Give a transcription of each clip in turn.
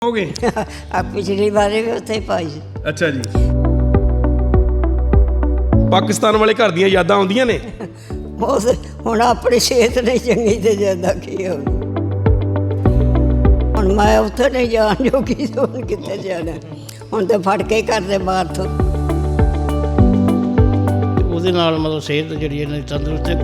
ਹੋ ਗਏ ਆ ਪਿਛਲੀ ਵਾਰੀ ਵੀ ਉੱਥੇ ਹੀ ਪਾਈ ਸੀ। ਅੱਛਾ ਜੀ। ਪਾਕਿਸਤਾਨ ਵਾਲੇ ਘਰ ਦੀਆਂ ਯਾਦਾਂ ਆਉਂਦੀਆਂ ਨੇ। ਉਸ ਹੁਣ ਆਪਣੀ ਸਿਹਤ ਨਹੀਂ ਚੰਗੀ ਤੇ ਜਿਆਦਾ ਕੀ ਹੋ ਹੁਣ ਮੈਂ ਉੱਥੇ ਨਹੀਂ ਜਾਣ ਜੋਗੀ ਹੁਣ ਕਿੱਥੇ ਜਾਣਾ। ਹੁਣ ਤਾਂ ਫੜ ਕੇ ਕਰਦੇ ਬਾਹਰ ਤੋਂ। ਉਹਦੇ ਨਾਲ ਮਤਲਬ ਸਿਹਤ ਜਿਹੜੀ ਇਹਨਾਂ ਦੀ ਤੰਦਰੁਸਤ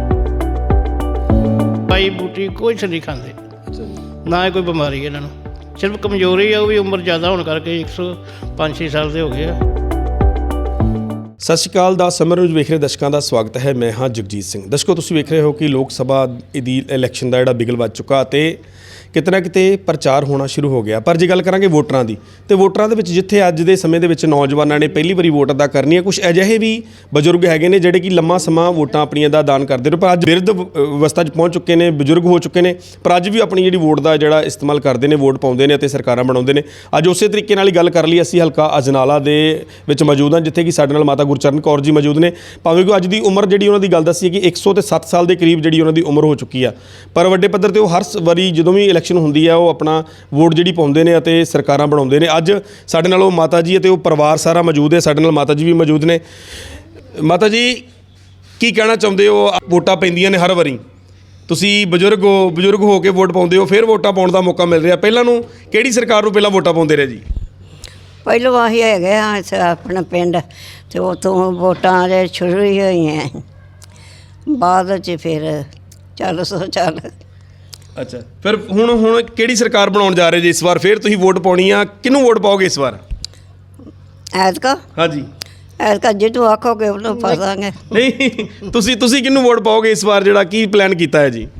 ਪਾਈ ਬੂਟੀ ਕੁਛ ਨਹੀਂ ਖਾਂਦੇ, ਨਾ ਹੀ ਕੋਈ ਬਿਮਾਰੀ ਇਹਨਾਂ ਨੂੰ, ਸਿਰਫ ਕਮਜ਼ੋਰੀ ਆ, ਉਹ ਵੀ ਉਮਰ ਜ਼ਿਆਦਾ ਹੋਣ ਕਰਕੇ 105-6 ਸਾਲ ਦੇ ਹੋ ਗਏ ਆ। ਸਤਿ ਸ਼੍ਰੀ ਅਕਾਲ ਦਾ ਸਮਰ ਨਿਊਜ਼ ਵੇਖ ਰਹੇ ਦਰਸ਼ਕਾਂ ਦਾ ਸਵਾਗਤ ਹੈ। ਮੈਂ ਹਾਂ ਜਗਜੀਤ ਸਿੰਘ। ਦਰਸ਼ਕੋ, ਤੁਸੀਂ ਵੇਖ ਰਹੇ ਹੋ ਕਿ ਲੋਕ ਸਭਾ ਦੀ ਇਲੈਕਸ਼ਨ ਦਾ ਜਿਹੜਾ ਬਿਗਲ ਵੱਜ ਚੁੱਕਾ ਅਤੇ ਕਿਤੇ ਨਾ ਕਿਤੇ ਪ੍ਰਚਾਰ ਹੋਣਾ ਸ਼ੁਰੂ ਹੋ ਗਿਆ। ਪਰ ਜੇ ਗੱਲ ਕਰਾਂਗੇ ਵੋਟਰਾਂ ਦੀ, ਤੇ ਵੋਟਰਾਂ ਦੇ ਵਿੱਚ ਜਿੱਥੇ ਅੱਜ ਦੇ ਸਮੇਂ ਦੇ ਵਿੱਚ ਨੌਜਵਾਨਾਂ ਨੇ ਪਹਿਲੀ ਵਾਰੀ ਵੋਟ ਅਦਾ ਕਰਨੀ ਹੈ, ਕੁਝ ਅਜਿਹੇ ਵੀ ਬਜ਼ੁਰਗ ਹੈਗੇ ਨੇ ਜਿਹੜੇ ਕਿ ਲੰਮਾ ਸਮਾਂ ਵੋਟਾਂ ਆਪਣੀਆਂ ਦਾ ਦਾਨ ਕਰਦੇ ਨੇ, ਪਰ ਅੱਜ ਬਿਰਧ ਅਵਸਥਾ 'ਚ ਪਹੁੰਚ ਚੁੱਕੇ ਨੇ, ਬਜ਼ੁਰਗ ਹੋ ਚੁੱਕੇ ਨੇ, ਪਰ ਅੱਜ ਵੀ ਆਪਣੀ ਜਿਹੜੀ ਵੋਟ ਦਾ ਜਿਹੜਾ ਇਸਤੇਮਾਲ ਕਰਦੇ ਨੇ, ਵੋਟ ਪਾਉਂਦੇ ਨੇ ਅਤੇ ਸਰਕਾਰਾਂ ਬਣਾਉਂਦੇ ਨੇ। ਅੱਜ ਉਸੇ ਤਰੀਕੇ ਨਾਲ ਹੀ ਗੱਲ ਕਰ ਲਈ ਅਸੀਂ ਹਲਕਾ ਅਜਨਾਲਾ ਦੇ ਵਿੱਚ ਮੌਜੂਦ ਹਾਂ, ਜਿੱਥੇ ਕਿ ਸਾਡੇ ਨਾਲ ਮਾਤਾ ਗੁਰਚਰਨ ਕੌਰ ਜੀ ਮੌਜੂਦ ਨੇ। ਭਾਵੇਂ ਕਿ ਅੱਜ ਦੀ ਉਮਰ ਜਿਹੜੀ ਉਹਨਾਂ ਦੀ ਗੱਲ ਦੱਸੀ ਹੈ ਕਿ 107 ਸਾਲ ਦੇ ਕਰੀਬ ਜਿਹੜੀ ਉਹਨਾਂ ਦੀ ਉਮਰ ਹੋ ਚੁੱਕੀ ਆ, ਪਰ ਵੱਡੇ ਪੱਧਰ 'ਤੇ ਉਹ ਹਰ ਵਾਰੀ ਜਦੋਂ ਵੀ ਇਲੈਕਸ਼ਨ ਹੁੰਦੀ ਆ ਉਹ ਆਪਣਾ ਵੋਟ ਜਿਹੜੀ ਪਾਉਂਦੇ ਨੇ ਅਤੇ ਸਰਕਾਰਾਂ ਬਣਾਉਂਦੇ ਨੇ। ਅੱਜ ਸਾਡੇ ਨਾਲ ਉਹ ਮਾਤਾ ਜੀ ਅਤੇ ਉਹ ਪਰਿਵਾਰ ਸਾਰਾ ਮੌਜੂਦ ਹੈ। ਸਾਡੇ ਨਾਲ ਮਾਤਾ ਜੀ ਵੀ ਮੌਜੂਦ ਨੇ। ਮਾਤਾ ਜੀ, ਕੀ ਕਹਿਣਾ ਚਾਹੁੰਦੇ ਹੋ? ਵੋਟਾਂ ਪੈਂਦੀਆਂ ਨੇ ਹਰ ਵਾਰੀ, ਤੁਸੀਂ ਬਜ਼ੁਰਗ ਹੋ ਕੇ ਵੋਟ ਪਾਉਂਦੇ ਹੋ, ਫਿਰ ਵੋਟਾਂ ਪਾਉਣ ਦਾ ਮੌਕਾ ਮਿਲ ਰਿਹਾ। ਪਹਿਲਾਂ ਨੂੰ ਕਿਹੜੀ ਸਰਕਾਰ ਨੂੰ ਪਹਿਲਾਂ ਵੋਟਾਂ ਪਾਉਂਦੇ ਰਹੇ ਜੀ? ਪਹਿਲੋਂ ਆਹੀ ਹੈਗੇ ਆ ਆਪਣਾ ਪਿੰਡ, ਅਤੇ ਉੱਥੋਂ ਵੋਟਾਂ ਜੇ ਸ਼ੁਰੂ ਹੀ ਹੋਈਆਂ, ਬਾਅਦ 'ਚ ਫਿਰ ਚੱਲ। ਅੱਛਾ, ਫਿਰ ਹੁਣ ਕਿਹੜੀ ਸਰਕਾਰ ਬਣਾਉਣ ਜਾ ਰਹੇ ਜੀ ਇਸ ਵਾਰ? ਫਿਰ ਤੁਸੀਂ ਵੋਟ ਪਾਉਣੀ ਆ, ਕਿਹਨੂੰ ਵੋਟ ਪਾਓਗੇ ਇਸ ਵਾਰ? ਐਤਕਾ ਹਾਂਜੀ, ਐਤਕਾ ਜਿੱਦੋਂ ਆਖੋਗੇ ਉਹਨੂੰ ਪਾ ਦਾਂਗੇ। ਨਹੀਂ, ਤੁਸੀਂ ਕਿਹਨੂੰ ਵੋਟ ਪਾਓਗੇ ਇਸ ਵਾਰ? ਜਿਹੜਾ ਕੀ ਪਲਾਨ ਕੀਤਾ ਹੈ ਜੀ?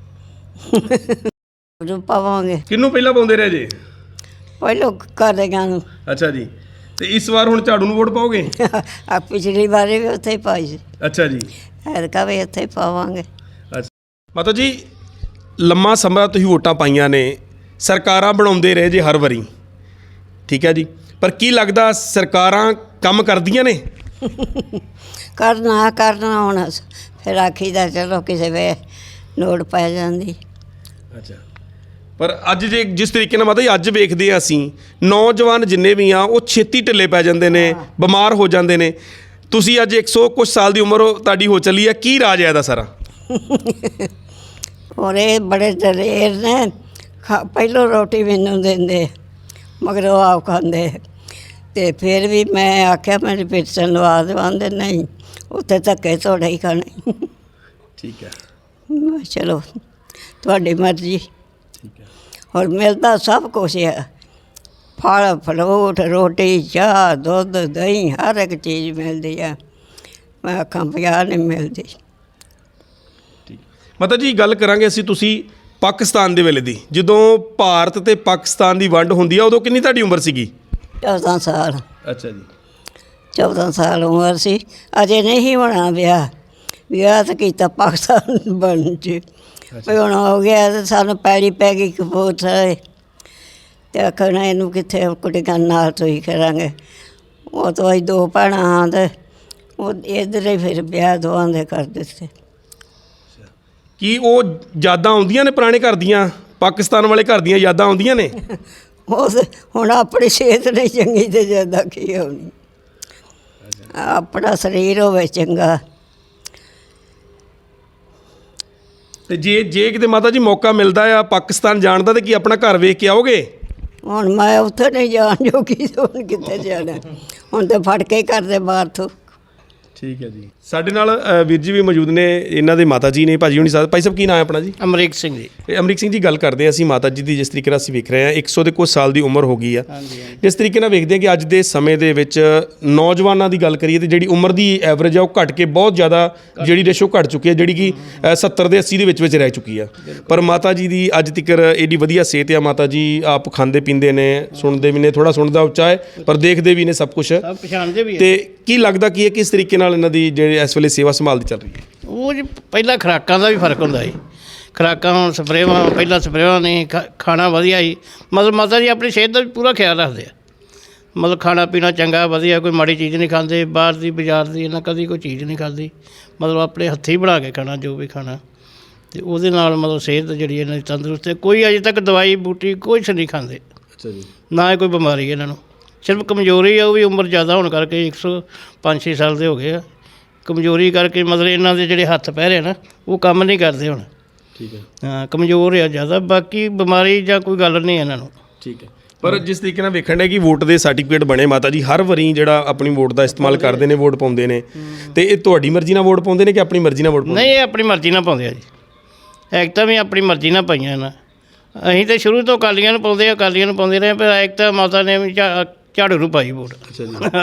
ਉਹਨੂੰ ਪਾਵਾਂਗੇ। ਕਿਹਨੂੰ ਪਹਿਲਾਂ ਪਾਉਂਦੇ ਰਹੇ ਜੀ? ਪਹਿਲੋਂ ਕਰਦਿਆਂ ਨੂੰ। ਅੱਛਾ ਜੀ, ਤੇ ਇਸ ਵਾਰ ਹੁਣ ਝਾੜੂ ਨੂੰ ਵੋਟ ਪਾਓਗੇ? ਆ ਪਿਛਲੀ ਵਾਰੀ ਵੀ ਉੱਥੇ ਹੀ ਪਾਈ ਸੀ। ਅੱਛਾ ਜੀ। ਐਤਕਾ ਵੀ ਇੱਥੇ ਹੀ ਪਾਵਾਂਗੇ। ਅੱਛਾ ਮਾਤਾ ਜੀ, ਲੰਮਾ ਸਮਾਂ ਤੁਸੀਂ ਵੋਟਾਂ ਪਾਈਆਂ ਨੇ, ਸਰਕਾਰਾਂ ਬਣਾਉਂਦੇ ਰਹੇ ਜੇ ਹਰ ਵਾਰੀ, ਠੀਕ ਹੈ ਜੀ, ਪਰ ਕੀ ਲੱਗਦਾ ਸਰਕਾਰਾਂ ਕੰਮ ਕਰਦੀਆਂ ਨੇ? ਕਰਨਾ ਹੁਣ ਫਿਰ ਆਖੀਦਾ ਚਲੋ ਕਿਸੇ ਵੇ ਲੋੜ ਪੈ ਜਾਂਦੀ। ਅੱਛਾ, ਪਰ ਅੱਜ ਜੇ ਜਿਸ ਤਰੀਕੇ ਨਾਲ ਮਾਤਾ ਜੀ ਅੱਜ ਵੇਖਦੇ ਹਾਂ ਅਸੀਂ, ਨੌਜਵਾਨ ਜਿੰਨੇ ਵੀ ਆ ਉਹ ਛੇਤੀ ਢਿੱਲੇ ਪੈ ਜਾਂਦੇ ਨੇ, ਬਿਮਾਰ ਹੋ ਜਾਂਦੇ ਨੇ। ਤੁਸੀਂ ਅੱਜ 100 ਕੁਛ ਸਾਲ ਦੀ ਉਮਰ ਤੁਹਾਡੀ ਹੋ ਚੱਲੀ ਹੈ, ਕੀ ਰਾਜ ਹੈ ਇਹਦਾ ਸਾਰਾ? ਔਰ ਇਹ ਬੜੇ ਦਲੇਰ ਨੇ, ਪਹਿਲੋਂ ਰੋਟੀ ਮੈਨੂੰ ਦਿੰਦੇ ਮਗਰ ਉਹ ਆਪ ਖਾਂਦੇ, ਅਤੇ ਫਿਰ ਵੀ ਮੈਂ ਆਖਿਆ ਮੇਰੀ ਪਿੱਛਣ ਲਵਾ ਦੇਵਾਂਦੇ, ਨਹੀਂ ਉੱਥੇ ਧੱਕੇ ਥੋੜ੍ਹਾ ਹੀ ਖਾਣੇ। ਠੀਕ ਹੈ, ਮੈਂ ਚਲੋ ਤੁਹਾਡੀ ਮਰਜ਼ੀ। ਠੀਕ ਹੈ। ਹੋਰ ਮਿਲਦਾ ਸਭ ਕੁਛ ਹੈ, ਫਲ ਫਰੂਟ, ਰੋਟੀ, ਚਾਹ, ਦੁੱਧ, ਦਹੀਂ, ਹਰ ਇੱਕ ਚੀਜ਼ ਮਿਲਦੀ ਆ। ਮੈਂ ਆਖਾਂ ਪੰਜਾਹ ਨਹੀਂ ਮਿਲਦੀ। ਮਾਤਾ ਜੀ, ਗੱਲ ਕਰਾਂਗੇ ਅਸੀਂ ਤੁਸੀਂ ਪਾਕਿਸਤਾਨ ਦੇ ਵੇਲੇ ਦੀ, ਜਦੋਂ ਭਾਰਤ ਅਤੇ ਪਾਕਿਸਤਾਨ ਦੀ ਵੰਡ ਹੁੰਦੀ ਆ, ਉਦੋਂ ਕਿੰਨੀ ਤੁਹਾਡੀ ਉਮਰ ਸੀਗੀ? 14 ਸਾਲ। ਅੱਛਾ ਜੀ। 14 ਸਾਲ ਉਮਰ ਸੀ, ਅਜੇ ਨਹੀਂ ਹੋਣਾ ਵਿਆਹ ਤਾਂ ਕੀਤਾ ਪਾਕਿਸਤਾਨ ਬਣ 'ਚ। ਵੀ ਹੁਣ ਹੋ ਗਿਆ ਅਤੇ ਸਾਨੂੰ ਪੈੜੀ ਪੈ ਗਈ ਕਪੂਰਥਲੇ, ਅਤੇ ਆਖਣਾ ਇਹਨੂੰ ਕਿੱਥੇ ਕੁੜੀਆਂ ਨਾਲ ਤੁਸੀਂ ਕਰਾਂਗੇ। ਉਹ ਤੋਂ ਅਸੀਂ 2 ਭੈਣਾਂ ਹਾਂ, ਅਤੇ ਉਹ ਇੱਧਰ ਹੀ ਫਿਰ ਵਿਆਹ ਦੋਵਾਂ ਦੇ ਕਰ ਦਿੱਤੇ। ਕੀ ਉਹ ਯਾਦਾਂ ਆਉਂਦੀਆਂ ਨੇ ਪੁਰਾਣੇ ਘਰ ਦੀਆਂ, ਪਾਕਿਸਤਾਨ ਵਾਲੇ ਘਰ ਦੀਆਂ ਯਾਦਾਂ ਆਉਂਦੀਆਂ ਨੇ? ਉਸ ਹੁਣ ਆਪਣੀ ਸਿਹਤ ਨਹੀਂ ਚੰਗੀ ਤੇ ਜਿਆਦਾ ਕੀ ਹੋਣੀ। ਆਪਣਾ ਸਰੀਰ ਹੋਵੇ ਚੰਗਾ। ਤੇ ਜੇ ਕਿਤੇ ਮਾਤਾ ਜੀ ਮੌਕਾ ਮਿਲਦਾ ਆ ਪਾਕਿਸਤਾਨ ਜਾਣ ਦਾ, ਤੇ ਕੀ ਆਪਣਾ ਘਰ ਵੇਖ ਕੇ ਆਓਗੇ? ਹੁਣ ਮੈਂ ਉੱਥੇ ਨਹੀਂ ਜਾਣ ਜੋਗੀ, ਹੁਣ ਕਿੱਥੇ ਜਾਣਾ। ਹੁਣ ਤਾਂ ਫੜ ਕੇ ਕਰਦੇ ਬਾਹਰ ਤੋਂ। ਠੀਕ ਹੈ ਜੀ। ਸਾਡੇ ਨਾਲ ਵੀਰ ਜੀ ਵੀ ਮੌਜੂਦ ਨੇ, ਇਹਨਾਂ ਦੇ ਮਾਤਾ ਜੀ ਨੇ, ਭਾਜੀ ਹੁਣੀ ਸਾਹਿਬ। ਭਾਈ ਸਾਹਿਬ, ਕੀ ਨਾਮ ਹੈ ਆਪਣਾ ਜੀ? ਅਮਰੀਕ ਸਿੰਘ ਜੀ। ਅਮਰੀਕ ਸਿੰਘ ਜੀ, ਗੱਲ ਕਰਦੇ ਹਾਂ ਅਸੀਂ ਮਾਤਾ ਜੀ ਦੀ। ਜਿਸ ਤਰੀਕੇ ਨਾਲ ਅਸੀਂ ਵੇਖ ਰਹੇ ਹਾਂ 100 ਦੇ ਕੁਝ ਸਾਲ ਦੀ ਉਮਰ ਹੋ ਗਈ ਆ, ਜਿਸ ਤਰੀਕੇ ਨਾਲ ਵੇਖਦੇ ਹਾਂ ਕਿ ਅੱਜ ਦੇ ਸਮੇਂ ਦੇ ਵਿੱਚ ਨੌਜਵਾਨਾਂ ਦੀ ਗੱਲ ਕਰੀਏ ਤਾਂ ਜਿਹੜੀ ਉਮਰ ਦੀ ਐਵਰੇਜ ਆ ਉਹ ਘਟ ਕੇ ਬਹੁਤ ਜ਼ਿਆਦਾ ਜਿਹੜੀ ਰੇਸ਼ੋ ਘਟ ਚੁੱਕੀ ਹੈ, ਜਿਹੜੀ ਕਿ 70 ਦੇ 80 ਦੇ ਵਿੱਚ ਰਹਿ ਚੁੱਕੀ ਆ। ਪਰ ਮਾਤਾ ਜੀ ਦੀ ਅੱਜ ਤੱਕ ਏਡੀ ਵਧੀਆ ਸਿਹਤ ਆ। ਮਾਤਾ ਜੀ ਆਪ ਖਾਂਦੇ ਪੀਂਦੇ ਨੇ, ਸੁਣਦੇ ਵੀ ਨੇ, ਥੋੜ੍ਹਾ ਸੁਣਦਾ ਉੱਚਾ ਹੈ ਪਰ ਦੇਖਦੇ ਵੀ ਨੇ ਸਭ ਕੁਛ, ਪਛਾਣਦੇ ਵੀ। ਤੇ ਕੀ ਲੱਗਦਾ ਕੀ ਹੈ ਕਿਸ ਤਰੀਕੇ ਨਾਲ ਇਹਨਾਂ ਦੀ ਜਿਹੜੀ ਇਸ ਵੇਲੇ ਸੇਵਾ ਸੰਭਾਲਦੀ ਚੱਲ ਰਹੀ ਹੈ? ਉਹ ਜੀ ਪਹਿਲਾਂ ਖੁਰਾਕਾਂ ਦਾ ਵੀ ਫਰਕ ਹੁੰਦਾ ਜੀ। ਖੁਰਾਕਾਂ ਹੁਣ ਸਪਰੇਵਾਂ, ਪਹਿਲਾਂ ਸਪਰੇਵਾਂ ਨਹੀਂ, ਖਾਣਾ ਵਧੀਆ ਜੀ। ਮਤਲਬ ਮਾਤਾ ਜੀ ਆਪਣੀ ਸਿਹਤ ਦਾ ਵੀ ਪੂਰਾ ਖਿਆਲ ਰੱਖਦੇ ਆ। ਮਤਲਬ ਖਾਣਾ ਪੀਣਾ ਚੰਗਾ ਵਧੀਆ, ਕੋਈ ਮਾੜੀ ਚੀਜ਼ ਨਹੀਂ ਖਾਂਦੇ, ਬਾਹਰ ਦੀ ਬਾਜ਼ਾਰ ਦੀ ਇਹਨਾਂ ਕਦੀ ਕੋਈ ਚੀਜ਼ ਨਹੀਂ ਖਾਂਦੀ। ਮਤਲਬ ਆਪਣੇ ਹੱਥੀਂ ਬਣਾ ਕੇ ਖਾਣਾ ਜੋ ਵੀ ਖਾਣਾ, ਅਤੇ ਉਹਦੇ ਨਾਲ ਮਤਲਬ ਸਿਹਤ ਜਿਹੜੀ ਇਹਨਾਂ ਦੀ ਤੰਦਰੁਸਤ ਹੈ। ਕੋਈ ਅਜੇ ਤੱਕ ਦਵਾਈ ਬੂਟੀ ਕੁਛ ਨਹੀਂ ਖਾਂਦੇ। ਅੱਛਾ ਜੀ। ਨਾ ਹੀ ਕੋਈ ਬਿਮਾਰੀ ਇਹਨਾਂ ਨੂੰ, ਸਿਰਫ ਕਮਜ਼ੋਰੀ ਆ, ਉਹ ਵੀ ਉਮਰ ਜ਼ਿਆਦਾ ਹੋਣ ਕਰਕੇ 105-6 ਸਾਲ ਦੇ ਹੋ ਗਏ ਆ। ਕਮਜ਼ੋਰੀ ਕਰਕੇ ਮਤਲਬ ਇਹਨਾਂ ਦੇ ਜਿਹੜੇ ਹੱਥ ਪੈਰ ਆ ਨਾ ਉਹ ਕੰਮ ਨਹੀਂ ਕਰਦੇ ਹੁਣ। ਠੀਕ ਹੈ। ਹਾਂ, ਕਮਜ਼ੋਰ ਆ ਜ਼ਿਆਦਾ, ਬਾਕੀ ਬਿਮਾਰੀ ਜਾਂ ਕੋਈ ਗੱਲ ਨਹੀਂ ਇਹਨਾਂ ਨੂੰ। ਠੀਕ ਹੈ। ਪਰ ਜਿਸ ਤਰੀਕੇ ਨਾਲ ਵੇਖਣ ਡਿਆ ਕਿ ਵੋਟ ਦੇ ਸਰਟੀਫਿਕੇਟ ਬਣੇ ਮਾਤਾ ਜੀ ਹਰ ਵਾਰੀ ਜਿਹੜਾ ਆਪਣੀ ਵੋਟ ਦਾ ਇਸਤੇਮਾਲ ਕਰਦੇ ਨੇ, ਵੋਟ ਪਾਉਂਦੇ ਨੇ, ਤੇ ਇਹ ਤੁਹਾਡੀ ਮਰਜ਼ੀ ਨਾਲ ਵੋਟ ਪਾਉਂਦੇ ਨੇ ਕਿ ਆਪਣੀ ਮਰਜ਼ੀ ਨਾਲ ਵੋਟ ਪਾਉਂਦੇ? ਨਹੀਂ, ਇਹ ਆਪਣੀ ਮਰਜ਼ੀ ਨਾਲ ਪਾਉਂਦੇ ਆ ਜੀ। ਐਕਟਾਂ ਵੀ ਆਪਣੀ ਮਰਜ਼ੀ ਨਾਲ ਪਾਈਆਂ ਨਾ। ਅਸੀਂ ਤਾਂ ਸ਼ੁਰੂ ਤੋਂ ਅਕਾਲੀਆਂ ਨੂੰ ਪਾਉਂਦੇ ਰਹੇ, ਪਰ ਐਕਟਾਂ ਮਾਤਾ ਨੇ ਵੀ ਝਾੜੂ ਨੂੰ ਪਾਈ ਵੋਟ। ਅੱਛਾ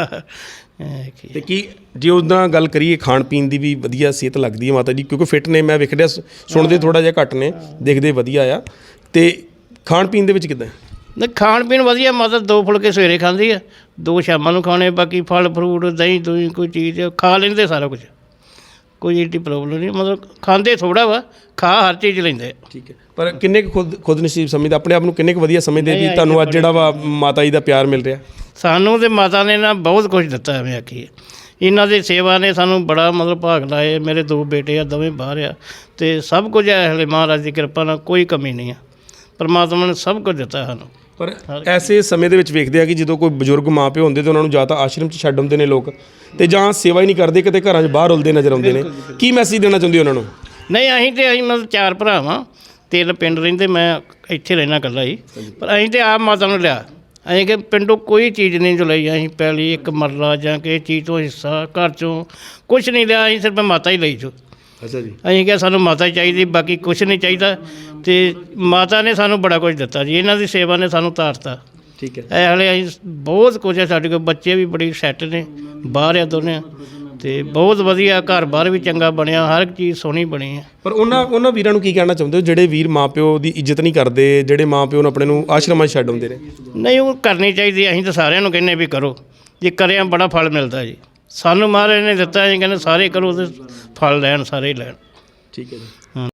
ਜੀ। ਤੇ ਕੀ ਜੇ ਉਹਦਾ ਗੱਲ ਕਰੀਏ ਖਾਣ ਪੀਣ ਦੀ ਵੀ ਵਧੀਆ ਸਿਹਤ ਲੱਗਦੀ ਹੈ ਮਾਤਾ ਜੀ, ਕਿਉਂਕਿ ਫਿੱਟ ਨੇ, ਮੈਂ ਵੇਖ ਰਿਹਾ, ਸੁਣਦੇ ਥੋੜ੍ਹਾ ਜਿਹਾ ਘੱਟ ਨੇ, ਦੇਖਦੇ ਵਧੀਆ ਆ, ਤੇ ਖਾਣ ਪੀਣ ਦੇ ਵਿੱਚ ਕਿੱਦਾਂ? ਨਹੀਂ, ਖਾਣ ਪੀਣ ਵਧੀਆ, ਮਾਤਾ 2 ਫੁਲਕੇ ਸਵੇਰੇ ਖਾਂਦੀ ਆ, 2 ਸ਼ਾਮਾਂ ਨੂੰ ਖਾਣੇ, ਬਾਕੀ ਫਲ ਫਰੂਟ ਦਹੀਂ ਦੂਈ ਕੋਈ ਚੀਜ਼ ਖਾ ਲੈਂਦੇ ਸਾਰਾ ਕੁਝ, ਕੋਈ ਏਡੀ ਪ੍ਰੋਬਲਮ ਨਹੀਂ। ਮਤਲਬ ਖਾਂਦੇ ਥੋੜ੍ਹਾ ਵਾ, ਖਾ ਹਰ ਚੀਜ਼ ਲੈਂਦੇ। ਠੀਕ ਹੈ। ਪਰ ਕਿੰਨੇ ਕੁ ਖੁਦ ਨਸੀਬ ਸਮਝਦੇ, ਆਪਣੇ ਆਪ ਨੂੰ ਕਿੰਨੇ ਕੁ ਵਧੀਆ ਸਮਝਦੇ ਵੀ ਤੁਹਾਨੂੰ ਅੱਜ ਜਿਹੜਾ ਵਾ ਮਾਤਾ ਜੀ ਦਾ ਪਿਆਰ ਮਿਲ ਰਿਹਾ? ਸਾਨੂੰ ਤੇ ਮਾਤਾ ਨੇ ਨਾ ਬਹੁਤ ਕੁਝ ਦਿੱਤਾ, ਐਵੇਂ ਆਖੀਏ। ਇਹਨਾਂ ਦੀ ਸੇਵਾ ਨੇ ਸਾਨੂੰ ਬੜਾ ਮਤਲਬ ਭਾਗ ਲਾਏ। ਮੇਰੇ 2 ਬੇਟੇ ਆ, ਦੋਵੇਂ ਬਾਹਰ ਆ, ਅਤੇ ਸਭ ਕੁਝ ਹੈ ਹਲੇ ਮਹਾਰਾਜ ਦੀ ਕਿਰਪਾ ਨਾਲ, ਕੋਈ ਕਮੀ ਨਹੀਂ ਆ। ਪਰਮਾਤਮਾ ਨੇ ਸਭ ਕੁਝ ਦਿੱਤਾ ਸਾਨੂੰ। ਪਰ ਐਸੇ ਸਮੇਂ ਦੇ ਵਿੱਚ ਵੇਖਦੇ ਆ ਕਿ ਜਦੋਂ ਕੋਈ ਬਜ਼ੁਰਗ ਮਾਂ ਪਿਓ ਹੁੰਦੇ ਤਾਂ ਉਹਨਾਂ ਨੂੰ ਜਾਂ ਤਾਂ ਆਸ਼ਰਮ 'ਚ ਛੱਡ ਆਉਂਦੇ ਨੇ ਲੋਕ, ਤੇ ਜਾਂ ਸੇਵਾ ਹੀ ਨਹੀਂ ਕਰਦੇ, ਕਿਤੇ ਘਰਾਂ 'ਚ ਬਾਹਰ ਉਲਦੇ ਨਜ਼ਰ ਆਉਂਦੇ ਨੇ। ਕੀ ਮੈਸੇਜ ਦੇਣਾ ਚਾਹੁੰਦੇ ਉਹਨਾਂ ਨੂੰ? ਨਹੀਂ, ਅਸੀਂ ਮਤਲਬ 4 ਭਰਾ ਵਾਂ, 3 ਪਿੰਡ ਰਹਿੰਦੇ, ਮੈਂ ਇੱਥੇ ਰਹਿਣਾ ਇਕੱਲਾ ਹੀ। ਪਰ ਅਸੀਂ ਤਾਂ ਆਪ ਮਾਤਾ ਨੂੰ ਲਿਆ, ਅਸੀਂ ਕਿ ਪਿੰਡੋਂ ਕੋਈ ਚੀਜ਼ ਨਹੀਂ ਜੋ ਲਈ, ਅਸੀਂ ਪਹਿਲੀ ਇੱਕ ਮਰਲਾ ਜਾਂ ਕਿਸੇ ਚੀਜ਼ ਤੋਂ ਹਿੱਸਾ ਘਰ 'ਚੋਂ ਕੁਛ ਨਹੀਂ ਲਿਆ, ਅਸੀਂ ਸਿਰਫ ਮਾਤਾ ਹੀ ਲਈ ਜੋ। ਅੱਛਾ ਜੀ। ਅਸੀਂ ਕਿਹਾ ਸਾਨੂੰ ਮਾਤਾ ਚਾਹੀਦੀ, ਬਾਕੀ ਕੁਛ ਨਹੀਂ ਚਾਹੀਦਾ, ਅਤੇ ਮਾਤਾ ਨੇ ਸਾਨੂੰ ਬੜਾ ਕੁਝ ਦਿੱਤਾ ਜੀ। ਇਹਨਾਂ ਦੀ ਸੇਵਾ ਨੇ ਸਾਨੂੰ ਤਾਰਤਾ। ਠੀਕ ਹੈ। ਇਹ ਹਾਲੇ ਅਸੀਂ ਬਹੁਤ ਕੁਝ ਹੈ, ਸਾਡੇ ਕੋਲ ਬੱਚੇ ਵੀ ਬੜੀ ਸੈੱਟ ਨੇ, ਬਾਹਰ ਆ ਦੋਨੇ, ਅਤੇ ਬਹੁਤ ਵਧੀਆ ਘਰ ਬਾਹਰ ਵੀ ਚੰਗਾ ਬਣਿਆ, ਹਰ ਇੱਕ ਚੀਜ਼ ਸੋਹਣੀ ਬਣੀ ਹੈ। ਪਰ ਉਹਨਾਂ ਵੀਰਾਂ ਨੂੰ ਕੀ ਕਹਿਣਾ ਚਾਹੁੰਦੇ ਹੋ ਜਿਹੜੇ ਵੀਰ ਮਾਂ ਪਿਓ ਦੀ ਇੱਜ਼ਤ ਨਹੀਂ ਕਰਦੇ, ਜਿਹੜੇ ਮਾਂ ਪਿਓ ਨੂੰ ਆਪਣੇ ਨੂੰ ਆਸ਼ਰਮਾਂ 'ਚ ਛੱਡ ਆਉਂਦੇ ਨੇ? ਨਹੀਂ, ਉਹ ਕਰਨੀ ਚਾਹੀਦੀ। ਅਸੀਂ ਤਾਂ ਸਾਰਿਆਂ ਨੂੰ ਕਹਿੰਦੇ ਵੀ ਕਰੋ, ਜੇ ਕਰਿਆ ਬੜਾ ਫਲ ਮਿਲਦਾ ਜੀ। ਸਾਨੂੰ ਮਹਾਰਾਜ ਨੇ ਦਿੱਤਾ, ਅਸੀਂ ਕਹਿੰਦੇ ਸਾਰੇ ਕਰੋ ਅਤੇ ਫਲ ਲੈਣ, ਸਾਰੇ ਹੀ ਲੈਣ। ਠੀਕ ਹੈ ਜੀ। ਹਾਂ।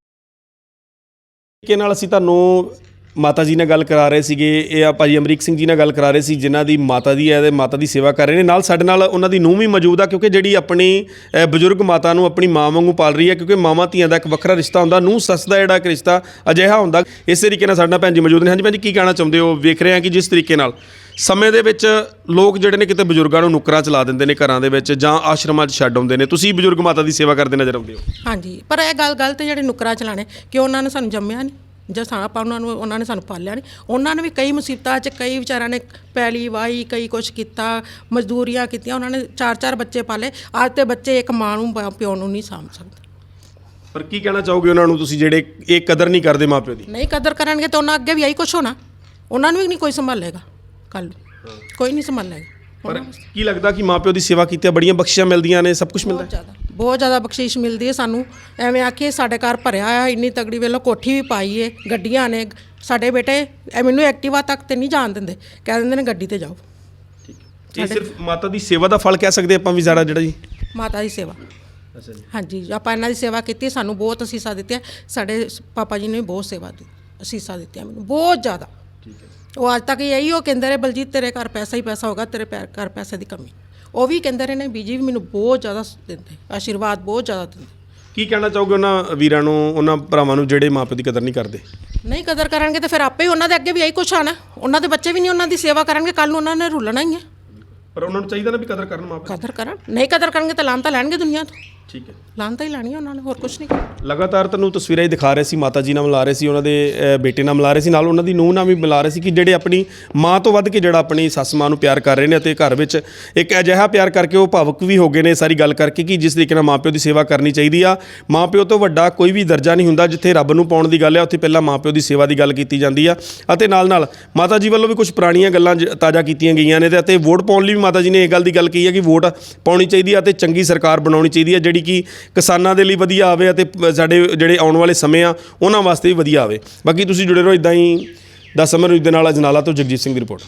ਤਰੀਕੇ ਨਾਲ ਅਸੀਂ ਤੁਹਾਨੂੰ ਮਾਤਾ ਜੀ ਨਾਲ ਗੱਲ ਕਰਾ ਰਹੇ ਸੀਗੇ, ਇਹ ਆ ਭਾਜੀ ਅਮਰੀਕ ਸਿੰਘ ਜੀ ਨਾਲ ਗੱਲ ਕਰਾ ਰਹੇ ਸੀ, ਜਿਨ੍ਹਾਂ ਦੀ ਮਾਤਾ ਦੀ ਹੈ ਤੇ ਮਾਤਾ ਦੀ ਸੇਵਾ ਕਰ ਰਹੇ ਨੇ। ਨਾਲ ਸਾਡੇ ਨਾਲ ਉਹਨਾਂ ਦੀ ਨੂੰਹ ਵੀ ਮੌਜੂਦ ਆ, ਕਿਉਂਕਿ ਜਿਹੜੀ ਆਪਣੀ ਬਜ਼ੁਰਗ ਮਾਤਾ ਨੂੰ ਆਪਣੀ ਮਾਂ ਵਾਂਗੂ ਪਾਲ ਰਹੀ ਹੈ, ਕਿਉਂਕਿ ਮਾਵਾਂ ਧੀਆਂ ਦਾ ਇੱਕ ਵੱਖਰਾ ਰਿਸ਼ਤਾ ਹੁੰਦਾ, ਨੂੰਹ ਸੱਸ ਦਾ ਜਿਹੜਾ ਇੱਕ ਰਿਸ਼ਤਾ ਅਜਿਹਾ ਹੁੰਦਾ। ਇਸੇ ਤਰੀਕੇ ਨਾਲ ਸਾਡੇ ਨਾਲ ਭੈਣ ਜੀ ਮੌਜੂਦ ਨੇ। ਹਾਂਜੀ ਭੈਣ ਜੀ, ਕੀ ਕਹਿਣਾ ਚਾਹੁੰਦੇ ਹੋ? ਵੇਖ ਰਹੇ ਹਾਂ ਕਿ ਜਿਸ ਤਰੀਕੇ ਨਾਲ ਸਮੇਂ ਦੇ ਵਿੱਚ ਲੋਕ ਜਿਹੜੇ ਨੇ ਕਿਤੇ ਬਜ਼ੁਰਗਾਂ ਨੂੰ ਨੁੱਕਰਾਂ ਚਲਾ ਦਿੰਦੇ ਨੇ ਘਰਾਂ ਦੇ ਵਿੱਚ, ਜਾਂ ਆਸ਼ਰਮਾਂ 'ਚ ਛੱਡ ਆਉਂਦੇ ਨੇ, ਤੁਸੀਂ ਬਜ਼ੁਰਗ ਮਾਤਾ ਦੀ ਸੇਵਾ ਕਰਦੇ ਨਜ਼ਰ ਆਉਂਦੇ ਹੋ? ਹਾਂਜੀ, ਪਰ ਇਹ ਗੱਲ ਗਲਤ ਜਿਹੜੇ ਨੁੱਕਰਾਂ ਚਲਾਣੇ, ਕਿ ਉਹਨਾਂ ਨੇ ਸਾਨੂੰ ਜੰਮਿਆ ਨਹੀਂ ਜਾਂ ਆਪਾਂ ਉਹਨਾਂ ਨੇ ਸਾਨੂੰ ਪਾਲਿਆ ਨਹੀਂ। ਉਹਨਾਂ ਨੇ ਵੀ ਕਈ ਮੁਸੀਬਤਾਂ 'ਚ, ਕਈ ਵਿਚਾਰਿਆਂ ਨੇ ਪੈਲੀ ਵਾਹੀ, ਕਈ ਕੁਛ ਕੀਤਾ, ਮਜ਼ਦੂਰੀਆਂ ਕੀਤੀਆਂ, ਉਹਨਾਂ ਨੇ 4-4 ਬੱਚੇ ਪਾਲੇ। ਅੱਜ ਤੇ ਬੱਚੇ ਇੱਕ ਮਾਂ ਨੂੰ ਪਿਓ ਨੂੰ ਨਹੀਂ ਸਾਂਭ ਸਕਦੇ। ਪਰ ਕੀ ਕਹਿਣਾ ਚਾਹੋਗੇ ਉਹਨਾਂ ਨੂੰ ਤੁਸੀਂ ਜਿਹੜੇ ਇਹ ਕਦਰ ਨਹੀਂ ਕਰਦੇ ਮਾਂ ਪਿਓ ਦੀ? ਨਹੀਂ ਕਦਰ ਕਰਨਗੇ ਤਾਂ ਉਹਨਾਂ ਅੱਗੇ ਵੀ ਇਹੀ ਕੁਛ ਹੋਣਾ, ਉਹਨਾਂ ਨੂੰ ਵੀ ਨਹੀਂ ਕੋਈ ਸੰਭਾਲੇਗਾ, ਕੱਲ੍ਹ ਕੋਈ ਨਹੀਂ ਸੰਭਾਲੇਗਾ। ਪਰ ਕੀ ਲੱਗਦਾ ਕਿ ਮਾਂ ਪਿਓ ਦੀ ਸੇਵਾ ਕੀਤੀਆਂ ਬੜੀਆਂ ਬਖਸ਼ੀਆਂ ਮਿਲਦੀਆਂ ਨੇ, ਸਭ ਕੁਝ ਮਿਲਦਾ ਹੈ? ਬਹੁਤ ਜ਼ਿਆਦਾ ਬਖਸ਼ਿਸ਼ ਮਿਲਦੀ ਹੈ ਸਾਨੂੰ। ਐਵੇਂ ਆਖੀਏ ਸਾਡੇ ਘਰ ਭਰਿਆ ਆ, ਇੰਨੀ ਤਗੜੀ ਵੇਲੋ ਕੋਠੀ ਵੀ ਪਾਈ ਏ, ਗੱਡੀਆਂ ਨੇ। ਸਾਡੇ ਬੇਟੇ ਮੈਨੂੰ ਐਕਟਿਵਾ ਤੱਕ ਤੇ ਨਹੀਂ ਜਾਣ ਦਿੰਦੇ, ਕਹਿ ਦਿੰਦੇ ਨੇ ਗੱਡੀ ਤੇ ਜਾਓ। ਇਹ ਸਿਰਫ ਮਾਤਾ ਦੀ ਸੇਵਾ ਦਾ ਫਲ ਕਹਿ ਸਕਦੇ ਆਪਾਂ ਵੀ ਸਾਰਾ ਜਿਹੜਾ ਜੀ? ਮਾਤਾ ਦੀ ਸੇਵਾ। ਅੱਛਾ ਜੀ। ਹਾਂਜੀ, ਆਪਾਂ ਇਹਨਾਂ ਦੀ ਸੇਵਾ ਕੀਤੀ, ਸਾਨੂੰ ਬਹੁਤ ਅਸੀਸਾਂ ਦਿੱਤੀਆਂ। ਸਾਡੇ ਪਾਪਾ ਜੀ ਨੇ ਵੀ ਬਹੁਤ ਸੇਵਾ ਅਸੀਸਾਂ ਦਿੱਤੀਆਂ ਮੈਨੂੰ, ਬਹੁਤ ਜ਼ਿਆਦਾ। ਉਹ ਅੱਜ ਤੱਕ ਇਹੀ ਉਹ ਕਹਿੰਦੇ ਰਹੇ, ਬਲਜੀਤ ਤੇਰੇ ਘਰ ਪੈਸਾ ਹੀ ਪੈਸਾ ਹੋਗਾ, ਤੇਰੇ ਘਰ ਪੈਸੇ ਦੀ ਕਮੀ। ਉਹ ਵੀ ਕਹਿੰਦੇ ਰਹੇ ਨੇ, ਬੀਜੀ ਵੀ ਮੈਨੂੰ ਬਹੁਤ ਜ਼ਿਆਦਾ ਦਿੰਦੇ, ਆਸ਼ੀਰਵਾਦ ਬਹੁਤ ਜ਼ਿਆਦਾ ਦਿੰਦੇ। ਕੀ ਕਹਿਣਾ ਚਾਹੋਗੇ ਉਹਨਾਂ ਵੀਰਾਂ ਨੂੰ, ਉਹਨਾਂ ਭਰਾਵਾਂ ਨੂੰ ਜਿਹੜੇ ਮਾਂ ਪਿਓ ਦੀ ਕਦਰ ਨਹੀਂ ਕਰਦੇ? ਨਹੀਂ ਕਦਰ ਕਰਨਗੇ ਤਾਂ ਫਿਰ ਆਪੇ ਹੀ ਉਹਨਾਂ ਦੇ ਅੱਗੇ ਵੀ ਇਹੀ ਕੁਛ ਆਣਾ। ਉਹਨਾਂ ਦੇ ਬੱਚੇ ਵੀ ਨਹੀਂ ਉਹਨਾਂ ਦੀ ਸੇਵਾ ਕਰਨਗੇ, ਕੱਲ੍ਹ ਨੂੰ ਉਹਨਾਂ ਨੇ ਰੁਲਣਾ ਹੀ ਹੈ। ਪਰ ਉਹਨਾਂ ਨੂੰ ਚਾਹੀਦਾ ਨਾ ਵੀ ਕਦਰ ਕਰਨ ਮਾਂ ਪਿਓ। ਕਦਰ ਕਰਨ, ਨਹੀਂ ਕਦਰ ਕਰਨਗੇ ਤਾਂ ਲਾਹਨਤਾਂ ਲੈਣਗੇ ਦੁਨੀਆ ਤੋਂ। ਠੀਕ ਹੈ। ਲਾਹਨਤਾਂ ਹੀ ਲੈਣੀ ਉਹਨਾਂ ਨੇ, ਹੋਰ ਕੁਛ ਨਹੀਂ ਕਰਨਾ। ਲਗਾਤਾਰ ਤੁਹਾਨੂੰ ਤਸਵੀਰਾਂ ਹੀ ਦਿਖਾ ਰਹੇ ਸੀ, ਮਾਤਾ ਜੀ ਨਾਲ ਮਿਲਾ ਰਹੇ ਸੀ, ਉਹਨਾਂ ਦੇ ਬੇਟੇ ਨਾਲ ਮਿਲਾ ਰਹੇ ਸੀ, ਨਾਲ ਉਹਨਾਂ ਦੀ ਨੂੰਹ ਨਾਲ ਵੀ ਮਿਲਾ ਰਹੇ ਸੀ ਕਿ ਜਿਹੜੇ ਆਪਣੀ ਮਾਂ ਤੋਂ ਵੱਧ ਕੇ ਜਿਹੜਾ ਆਪਣੀ ਸੱਸ ਮਾਂ ਨੂੰ ਪਿਆਰ ਕਰ ਰਹੇ ਨੇ, ਅਤੇ ਘਰ ਵਿੱਚ ਇੱਕ ਅਜਿਹਾ ਪਿਆਰ ਕਰਕੇ ਉਹ ਭਾਵੁਕ ਵੀ ਹੋ ਗਏ ਨੇ ਸਾਰੀ ਗੱਲ ਕਰਕੇ, ਕਿ ਜਿਸ ਤਰੀਕੇ ਨਾਲ ਮਾਂ ਪਿਓ ਦੀ ਸੇਵਾ ਕਰਨੀ ਚਾਹੀਦੀ ਆ। ਮਾਂ ਪਿਓ ਤੋਂ ਵੱਡਾ ਕੋਈ ਵੀ ਦਰਜਾ ਨਹੀਂ ਹੁੰਦਾ। ਜਿੱਥੇ ਰੱਬ ਨੂੰ ਪਾਉਣ ਦੀ ਗੱਲ ਹੈ, ਉੱਥੇ ਪਹਿਲਾਂ ਮਾਂ ਪਿਓ ਦੀ ਸੇਵਾ ਦੀ ਗੱਲ ਕੀਤੀ ਜਾਂਦੀ ਆ। ਅਤੇ ਨਾਲ ਮਾਤਾ ਜੀ ਵੱਲੋਂ ਵੀ ਕੁਝ ਪੁਰਾਣੀਆਂ ਗੱਲਾਂ ਤਾਜ਼ਾ ਕੀਤੀਆਂ ਗਈਆਂ ਨੇ, ਅਤੇ ਵੋਟ ਪਾਉਣ ਲਈ ਵੀ ਮਾਤਾ ਜੀ ਨੇ ਇਹ ਗੱਲ ਦੀ ਗੱਲ ਕਹੀ ਹੈ ਕਿ ਵੋਟ ਪਾਉਣੀ ਚਾਹੀਦੀ ਆ, ਅਤੇ ਚੰਗੀ ਸਰਕਾਰ ਬਣਾਉਣੀ ਚਾਹੀਦੀ ਹੈ, ਜਿਹੜੀ ਕਿ ਕਿਸਾਨਾਂ ਦੇ ਲਈ ਵਧੀਆ ਆਵੇ, ਅਤੇ ਸਾਡੇ ਜਿਹੜੇ ਆਉਣ ਵਾਲੇ ਸਮੇਂ ਆ ਉਹਨਾਂ ਵਾਸਤੇ ਵੀ ਵਧੀਆ ਆਵੇ। ਬਾਕੀ ਤੁਸੀਂ ਜੁੜੇ ਰਹੋ ਇੱਦਾਂ ਹੀ ਦਾ ਸਮਰ ਨਿਊਜ਼ ਦੇ ਨਾਲ। ਅਜਨਾਲਾ ਤੋਂ ਜਗਜੀਤ ਸਿੰਘ ਦੀ ਰਿਪੋਰਟ।